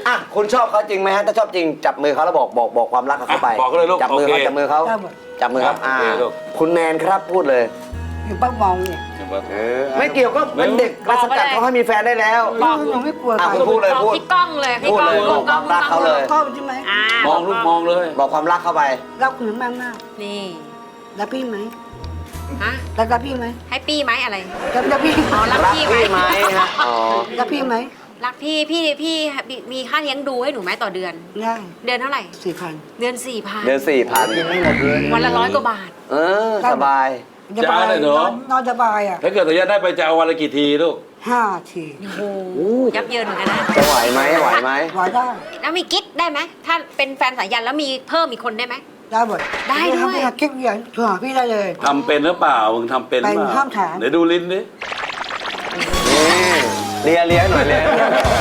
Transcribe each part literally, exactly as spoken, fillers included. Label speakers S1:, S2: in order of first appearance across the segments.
S1: อ่ะคุณชอบเขาจริงไหมฮะถ้าชอบจริงจับมือเขาแล้วบอกบอกบอกความรักกับเขาไป
S2: บอกเลยลูก
S1: จับมือเขาจับมือเขาจับมือครับอ่าคุณแนนครับพูดเลย
S3: อยู่บ้านมองเนี่ย
S1: ไม่เกี่ยวก็เป็นเด็กมาสกัดเขาให้มีแฟนได้แล้ว
S3: บอกหนูไม่กลัว
S1: อ่ะ
S3: ใคร
S1: คุณพูดเลย
S4: บอก
S1: พูด
S4: พี่ก้องเลยพี่
S1: พูด
S4: ก้อง
S1: เลย
S4: พี่
S1: บอกความรักเขาเลย
S3: ชอบใช่ไหม
S4: อ่าม
S2: องลูกมองเลย
S1: บอกความรักเข้าไป
S3: รักคุณมากมาก
S4: นี่
S3: รักพี่ไหม
S4: ฮะ
S3: รักรักพี่ไหม
S4: ให้ปี้ไหมอะไร
S3: รักรักพี่
S4: อ๋อรัก
S1: รัก
S4: พี่ไหม
S1: พี่ไหมฮะอ๋อ
S3: รักพี่ไหม
S4: รักพี่พี่พี่มีค่าเลี้ยงดูให้หนูไหมต่อเดือน
S3: ได้
S4: เดือนเท่าไหร่
S3: สี่พัน
S4: เดือนสี่พัน
S1: เดือนสี่พัน
S4: วันละร้อยกว่าบาท
S1: เออสบาย
S3: สบายนอนนอนสบายอ่ะ
S2: ถ้าเกิดระยะได้ไปจะเอาวันละกี่ทีลูก
S3: ห้าที
S4: โอ้โหยับเยินเหมือนกันนะ
S1: จะไหวไหมไหวไหม
S3: ไหวได้
S4: แล้วมีกิ๊กได้ไหมถ้าเป็นแฟนสายันแล้วมีเพิ่มอีกคนได้ไหม
S3: ได้หมด
S4: ได้ด้วย
S3: ถ้าคิดอย่างโทรหาพี่ได้เลย
S2: ทำเป็นหรือเปล่ามึงทำเป็นหรือเป
S3: เป็น
S2: ล่า
S3: ห้ามถาม
S2: เดี๋ยวดูลิ้นดิ
S1: นี่เลียเลียหน่อยเลีย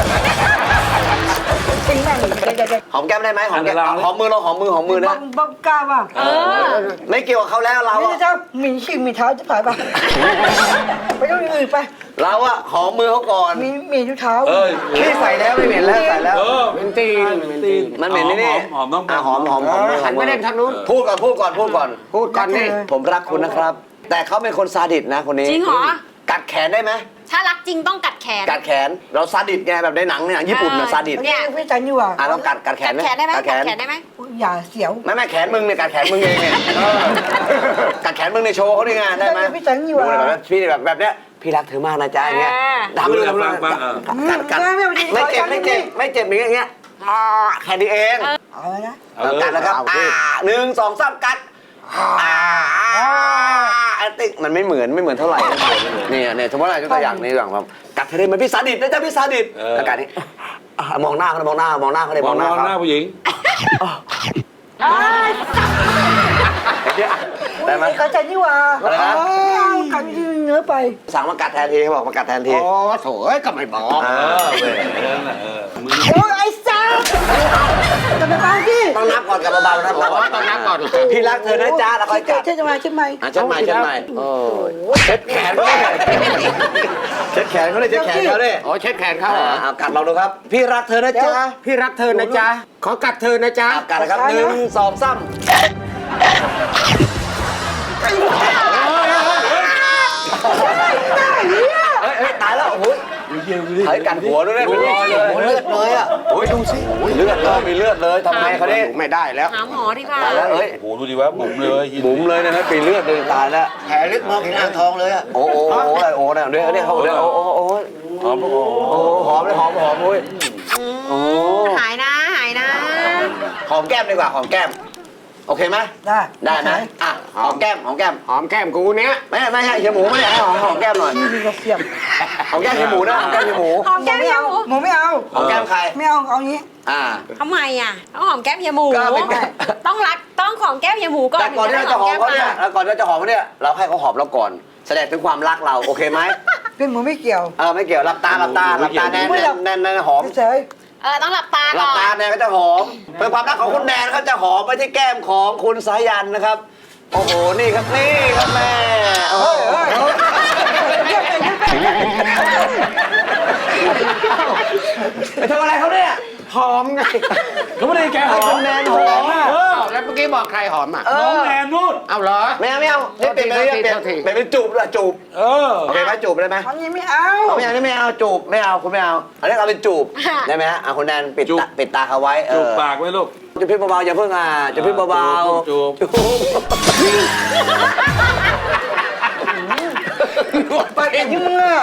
S3: จริงแม่งเด็กๆ
S1: หอมแก้มได้ไหมหอมแก้มหอมมือเราหอมมือหอมมือ
S3: บ้า
S1: นะ
S3: งบ้างกล้าป่ะ
S4: เออ
S1: ไม่เกี่ยวกับเขาแล้วเรา
S3: ไม่
S1: อะ
S3: ใช่ถ้ามีชิงมีเท้าจะผ่านป่ะไปต้องอื่นไป
S1: เราอะหอมมือเขาก่อน
S3: มีมีทุกเท้า
S2: เอ้ย
S1: นี่ใส่แล้วไม่เหม็นแล้วใส่แล้ว
S2: เออ
S5: เป็นตีน
S2: เป็นตีน
S1: มันเหม็นนี่นี่
S2: หอมหอม
S1: อ่ะหอมหอมหอมมือ
S5: หันไปเล่นทางนู้น
S1: พูดก่อนพูดก่อนพูดก่อน
S5: พูดก่อนนี่
S1: ผมรักคุณนะครับ แต่เขาเป็นคนซาดิสนะคนนี้
S4: จริงเหรอ
S1: กัดแขนได้ไหม
S4: ถ้ารักจริงต้องกัดแขน
S1: กัดแขนเราซาดิสไงแบบในหนังเนี่ยญี่ปุ่นน่ะซาดิส
S4: เนี่ย
S3: พี่จันอยู่อ่ะ
S1: อ่ะเรากัดกัดแข
S4: กั
S1: น
S4: ดแขนได้ไหม
S1: กัดแข
S4: กัด
S1: น
S4: แขนได้ไหม
S3: อย่าเสียว
S1: ไม่ไม่แขนมึงเนี่ยกัดแขนมึงเองเนี่ยเออกัดแขนมึงในโชว์เขาด้วยไงได้ไหม
S3: พี่จันอยู่
S1: ดู
S3: อ่ะ
S1: เลยแบบพี่แบบแบบเนี้ยพี่รักเธอมากนะจ๊ะอย่างเงี้ยทำไปดูทำไปดูกัดกัดไม่เจ็บไม่เจ็บไม่เจ็บอย่างเงี้ยอ่าแค่นี้เอง
S3: เอาเลยนะ
S2: เอาเลย
S1: กัดนะครับอ่าหนึ่งสองสามกัดอ่าอันติ๊กมันไม่เหมือนไม่เหมือนเท่าไหร่เนี่ยเนี่ยสมมติอะไรยกตัวอย่างนี้อย่างแบบกัดเธอได้ไหมพี่ซาดิสนะจ๊ะพี่ซาดิสแล้วกัดนี่อ่ามองหน้าเขาเลยมองหน้ามองหน้าเขาเลย
S2: ม
S1: ม
S2: อ
S1: อง งหน้า
S2: หน้า
S1: เขา
S2: ผู้หญิง
S1: ได้ไหม
S3: กัดจันอยู่อ่ะ
S1: อะไรนะ
S3: ไม่เอากัดเนื้อไป
S1: สั่งมากัดแทนทีเขาบอกมากัดแทนที
S5: โอ้โถเอ้ยก็ไม่บอก
S1: เออเว้ย
S2: เออมือ
S3: โอ้ยไอ้ซ่าจะไปบ้านพี่
S1: ต้องนับก่อนกับเบาๆนะ
S5: บอกว่าต้องนับก่อน
S1: พี่รักเธอนะจ๊ะแล้วค่อยกัด
S3: ใช่ไหมใช่ไหม
S1: อ่ะเช็ดใหม่เช็ดใหม่โอ้ยเช็ดแขนเขาเลยเช็ดแขนเขาเลยเช็ดแขนเขาเลย
S5: โอ้เช็ดแขนเขาเหรอ
S1: อ่ากัดเราดูครับ พี่รักเธอนะจ๊ะ
S5: พี่รักเธอนะจ๊ะ ขอกัดเธอนะจ๊ะ
S1: อ่ะกัดนะครับหนึ่งสองสามเฮ้ยเฮ้ยตายแล้วโอ้ยเฮ้ยกัดหัวด้วยเนี่ยเป็นรอยเลยเลือดเลยอ่ะโอ้ยดูสิเลือดเลยมีเลือดเลยทำไงเขาเนี่ย
S5: ไม่ได้แล้ว
S4: หาหมอดีกว่า
S1: ตายแล้วเอ้ย
S2: โอ้โหดูดิว่าบุ๋มเลย
S1: บุ๋มเลยนะฮะปีเลือดเลยตายแล้ว
S5: แผลลึกมองเห็นอ่างทองเลยอ่ะ
S1: โอ้โอ้โอ้อะไรโอ้เนี่ยเดี๋ยวเดี๋ยวเขาเดี๋ยวโอ้โอ้โอ้
S2: หอมโอ้โห
S1: โอ้หอมเลยหอมหอมโอ้ยโอ้
S4: หายนะหายนะ
S1: หอมแก้มดีกว่าหอมแก้มโอเคไหม
S3: ได้
S1: ได้ไหมอ่ะหอมแก้มหอมแก้ม
S5: หอมแก้มกูเนี้ย
S1: ไม่ไม่ใช่เฮียหมูไม่ได้ให้หอมหอมแก้มหน่อย
S3: พี่มีกระเทียม
S1: หอมแก้มเฮียหมูนะหอมแก้มเฮียหมู
S4: หอมแก้มเฮียหมู
S3: หมูไม่เอา
S1: หอมแก้มใคร
S3: ไม่เอาเอางี้
S1: อ่า
S4: ทำไมอ่ะต้องหอมแก้มเฮียหมู
S1: ก็เป็นแก้ม
S4: ต้องรักต้องหอมแก้มเฮียหมูก่อน
S1: แต่ก่อนที่เราจะหอมเขาเนี่ยแล้วก่อนที่เราจะหอมเขาเนี่ยเราให้เขาหอมเราก่อน แสดงถึงความรักเราโอเคไหม
S3: เป็นหมูไม่เกี่ยว
S1: เออไม่เกี่ยวหลับตาหลับตาหลับตาแน่นแน่นแน่นหอม
S3: เฉย
S4: เออต้องหลับตา
S1: หลั
S4: ก่
S1: บ
S4: อน
S1: ตาแนนก็จะหอมเป็นความรักของคุณแนนเขาจะหอมไปที่แก้มของคุณสายันนะครับ โอ้โหนี่ครับนี่ครับแม่โอ้โหไปทำอะไรเขาเนี่ย
S5: หอมไง
S2: เขาไม่ได้แกหอม
S1: คุณแนนหอมอ่ะ
S2: เออ
S5: อ้าวแล้วเมื่อกี้บอกใครหอมอ่ะ
S1: เอ
S2: น้อง
S1: อ
S2: แนนนู่น
S5: เอาเหรอ
S1: ไม่เอาไม่เอานี่เปลี่ยนไปเรื่อยเปลี่ยน
S5: โทษที
S1: เปลี่ยนเป็นจูบละจูบ
S2: เออ
S1: โอเคไหมจูบได้ไหม
S3: อันนี้ไม่เอา
S1: เอาไม่เอานี่ไม่เอาจูบไม่เอาคุณไม่เอาอันนี้เอาเป็นจูบได้ไหมฮะอ่ะคุณแนนปิดตาปิดตาเขาไว้เอ
S2: จูบ
S1: อ
S2: ปากไว้ลูก
S1: จูบพี่เบาๆอย่าเพิ่งอ่ะจูบพี่เบาๆ
S2: จูบ
S1: จูบ
S3: ไปเองที่มึงอ่ะ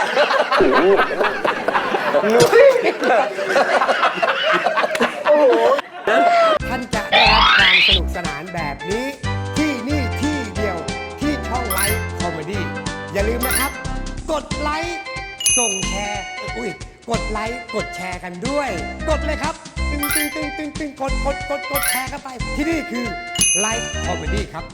S6: ท่านจะได้รับความสนุกสนานแบบนี้ ที่นี่ที่เดียวที่ช่องไลฟ์คอมเมดี้อย่าลืมนะครับ กดไลค์ส่งแชร์อุ้ยกดไลค์กดแชร์กันด้วย กดเลยครับ ตึงตึงตึงตึงตึงกดกดกดกดแชร์กันไป ที่นี่คือไลฟ์คอมเมดี้ครับ